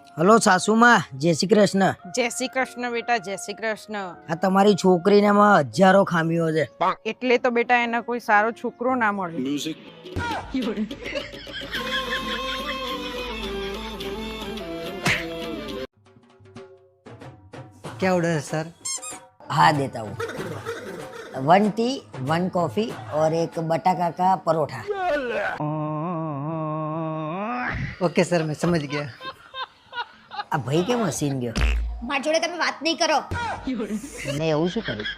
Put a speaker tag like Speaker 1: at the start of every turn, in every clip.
Speaker 1: Hello સાસુમાં, જય શ્રી કૃષ્ણ.
Speaker 2: જય શ્રી કૃષ્ણ બેટા, જય શ્રી કૃષ્ણ.
Speaker 1: આ તમારી છોકરીનામાં હજારો ખામીઓ છે.
Speaker 2: એટલે તો બેટા એને કોઈ સારો છોકરો ના મળે.
Speaker 3: क्या ऑर्डर है सर?
Speaker 1: हाँ देता हूँ. 1 टी 1 कॉफी और एक बटाका का परोठा.
Speaker 3: ओके सर, मैं समझ गया.
Speaker 1: આ ભાઈ કેમ હસીન ગયો?
Speaker 4: મારી જોડે તમે વાત નહીં કરો.
Speaker 1: મેં એવું શું કર્યું?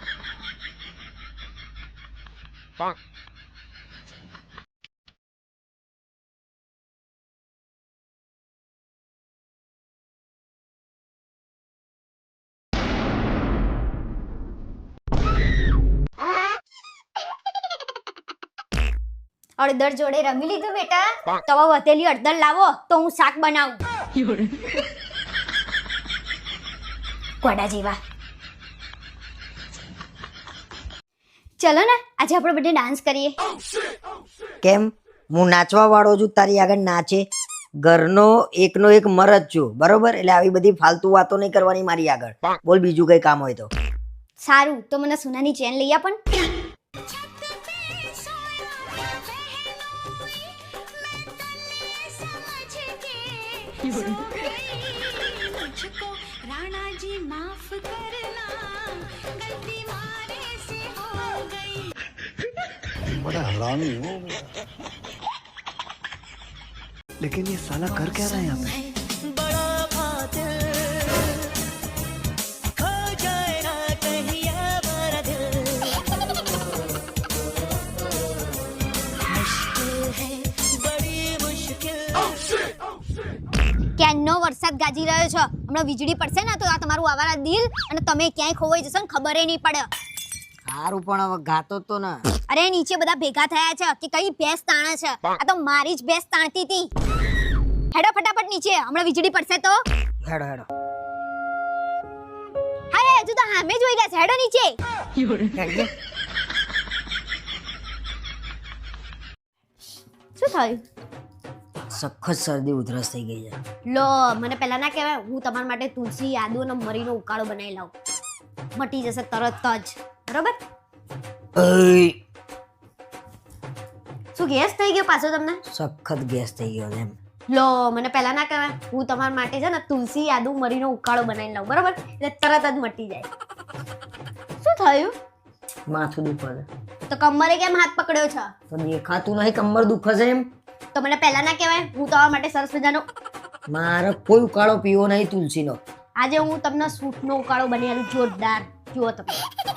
Speaker 4: અડદર જોડે રમી લીધું બેટા. તો હવે વધેલી અડદર લાવો તો હું શાક બનાવું. કોડા જેવા. ચલો ને આજે આપણે બધે ડાન્સ કરીએ.
Speaker 1: કેમ? હું નાચવા વાળો છું, તારી આગળ નાચે? ઘરનો એકનો એક મરદ છું, બરોબર? એટલે આવી બધી ફાલતુ વાતો નહીં કરવાની મારી આગળ. બોલ બીજું કઈ કામ હોય તો.
Speaker 4: સારું, તો મને સોનાની ચેન લઈ આપણ.
Speaker 5: बड़ा हरामी हो.
Speaker 3: लेकिन ये साला कर क्या रहा है यहाँ पे?
Speaker 4: ક્યાંનો વરસાદ ગાજી રહ્યો છે. હમણાં વીજળી પડશે ને તો આ તમારું આવારા દિલ અને તમે ક્યાંય ખોવાઈ જશો ને ખબર નહીં પડે.
Speaker 1: સારું પણ હવે ગાતો તો ના.
Speaker 4: અરે નીચે બધા ભેગા થયા છે કે કઈ ભેંસ તાણે છે. આ તો મારી જ ભેંસ તાણતી હતી. હેડો ફટાફટ નીચે, હમણાં વીજળી પડશે તો.
Speaker 1: હેડો હેડો.
Speaker 4: અરે હજુ તો સામે જોઈ ગયા છે. હેડો નીચે.
Speaker 1: હેડજે.
Speaker 4: શું થયું?
Speaker 1: સખત શરદી ઉધરસ થઈ ગઈ છે.
Speaker 4: લો મને પહેલા ના કહેવાય. હું તમારા માટે તુલસી, આદુ અને મરીનો ઉકાળો બનાવી લાવું. મટી જશે તરત જ. બરોબર?
Speaker 1: અય,
Speaker 4: શું ગેસ થઈ ગયો પાછો તમને?
Speaker 1: સખત ગેસ થઈ ગયો છે એમ.
Speaker 4: લો મને પહેલા ના કહેવાય. હું તમારા માટે છે ને તુલસી, આદુ, મરીનો ઉકાળો બનાવી લાવું. બરોબર? એટલે તરત જ મટી જાય. શું થયું?
Speaker 1: માથું દુખે છે.
Speaker 4: તો કમરે કેમ હાથ પકડ્યો છે?
Speaker 1: તો દેખાતું નહીં કમર દુખે છે એમ?
Speaker 4: તો મને પહેલા ના કહેવાય. હું તમારા માટે સરસ મજાનો
Speaker 1: મારે કોઈ ઉકાળો પીવો નહીં તુલસીનો.
Speaker 4: આજે હું તમને સૂટનો ઉકાળો બનાવેલું જોરદાર. જુઓ તમે.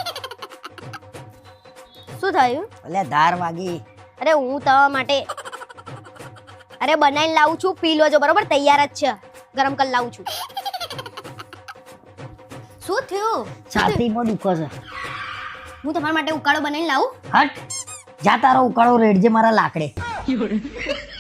Speaker 4: શું થયું?
Speaker 1: એટલે ધાર વાગી.
Speaker 4: અરે હું તમારા માટે અરે બનાવીને લાવું છું. પી લોજો. બરોબર? તૈયાર જ છે. ગરમ કરી લાવું છું. શું થયું?
Speaker 1: છાતીમાં દુખે છે.
Speaker 4: હું તમારા માટે ઉકાળો બનાવીને લાવું.
Speaker 1: હટ જા, તારો ઉકાળો રેડજે મારા લાકડે.